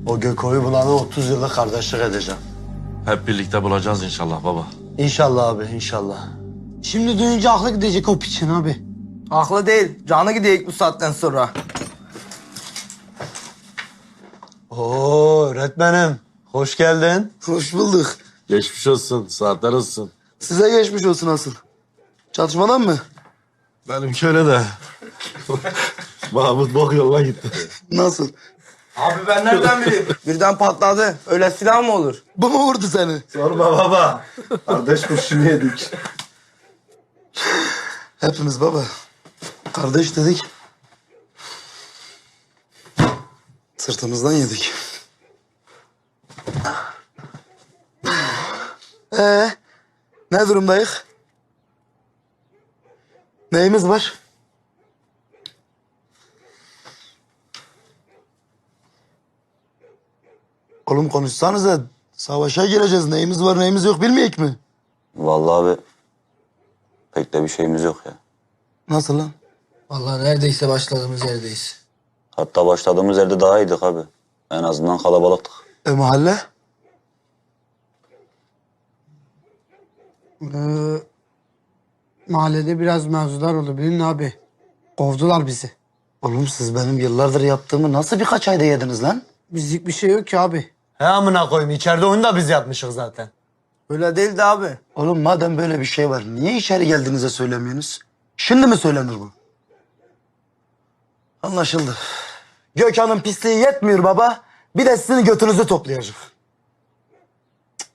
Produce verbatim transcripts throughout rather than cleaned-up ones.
O Göko'yu bulanı otuz yıllık kardeşlik edeceğim. Hep birlikte bulacağız inşallah baba. İnşallah abi, inşallah. Şimdi duyunca aklı gidecek o piçin abi. Haklı değil. Canı gidecek bu saatten sonra. Oo öğretmenim, hoş geldin. Hoş bulduk. Geçmiş olsun, saatler olsun. Size geçmiş olsun asıl. Çatışmadan mı? Benimki öyle de. Mahmut bok yoluna gitti. Nasıl? Abi ben nereden bileyim? Birden patladı. Öyle silah mı olur? Bu mu vurdu seni? Sorma baba. Kardeş kurşunu yedik. Hepimiz baba. Kardeş dedik. Sırtımızdan yedik. Ee, ne durumdayız? Neyimiz var? Oğlum konuşsanıza. Savaşa gireceğiz. Neyimiz var neyimiz yok bilmeyek mi? Vallahi abi pek de bir şeyimiz yok ya. Nasıl lan? Vallahi neredeyse başladığımız yerdeyiz. Hatta başladığımız yerde daha iyiydik abi. En azından kalabalıktık. E mahalle? Ee, mahallede biraz mevzular oldu bilin abi. Kovdular bizi. Oğlum siz benim yıllardır yaptığımı nasıl birkaç ayda yediniz lan? Bizlik bir şey yok ki abi. He amına koyayım, içeride oyunu da biz yapmışız zaten. Öyle değildi abi. Oğlum madem böyle bir şey var niye içeri geldiğinize söylemiyorsunuz? Şimdi mi söylenir bu? Anlaşıldı. Gökhan'ın pisliği yetmiyor baba. Bir de sizin götünüzü toplayacak. Cık.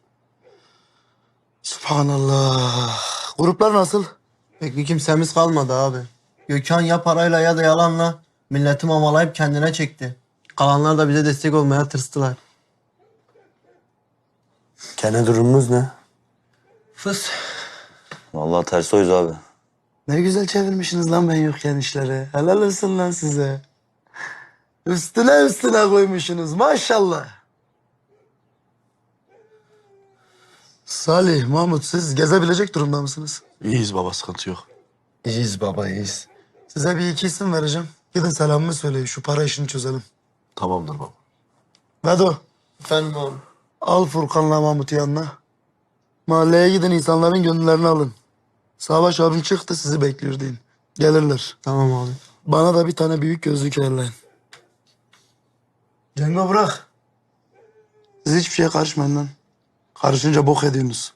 Subhanallah. Gruplar nasıl? Pek bir kimsemiz kalmadı abi. Gökhan ya parayla ya da yalanla milleti mamalayıp kendine çekti. Kalanlar da bize destek olmaya tırstılar. Gene durumunuz ne? Fıs. Vallahi ters oyuz abi. Ne güzel çevirmişsiniz lan ben yokken işleri. Helal olsun lan size. Üstüne üstüne koymuşsunuz maşallah. Salih, Mahmut siz gezebilecek durumda mısınız? İyiyiz baba, sıkıntı yok. İyiyiz baba, iyiyiz. Size bir iki isim vereceğim. Gidin selamımı söyleyin şu para işini çözelim. Tamamdır baba. Vedo Efendim abi. al Furkan'la Mahmut'u yanına. Mahalleye gidin insanların gönüllerini alın. Savaş abim çıktı sizi bekliyor deyin. Gelirler. Tamam abi. Bana da bir tane büyük gözlük ayarlayın. Cengo bırak. Siz hiçbir şeye karışmayın lan. Karışınca bok ediyorsunuz.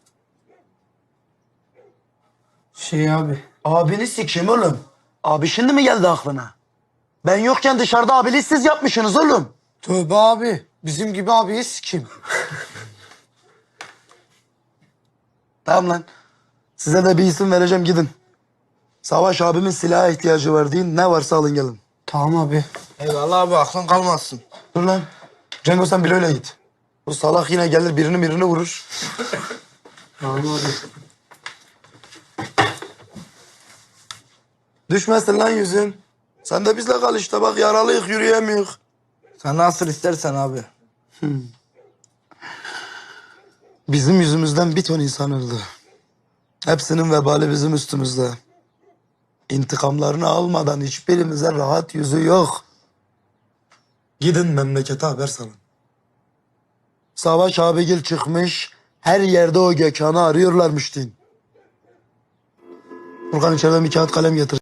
Şey abi. Abini sikeyim oğlum. Abi şimdi mi geldi aklına? Ben yokken dışarıda abiliği siz yapmışsınız oğlum. Tövbe abi. Bizim gibi abiyi sikim. Tamam lan. Size de bir isim vereceğim gidin. Savaş abimin silaha ihtiyacı var deyin. Ne varsa alın gelin. Tamam abi. Eyvallah abi aklın kalmazsın. Dur lan. Cengo sen Bilo'yla git. Bu salak yine gelir birini birini vurur. Tamam abi. Düşmesin lan yüzün. Sen de bizle kal işte bak yaralıyık yürüyemiyoruz. Sen nasıl istersen abi. Bizim yüzümüzden bir ton insan öldü. Hepsinin vebali bizim üstümüzde. İntikamlarını almadan hiçbirimize rahat yüzü yok. Gidin memlekete haber salın. Savaş abigil çıkmış, her yerde o Gökhan'ı arıyorlarmış deyin. Furkan içeriden bir kağıt kalem getir.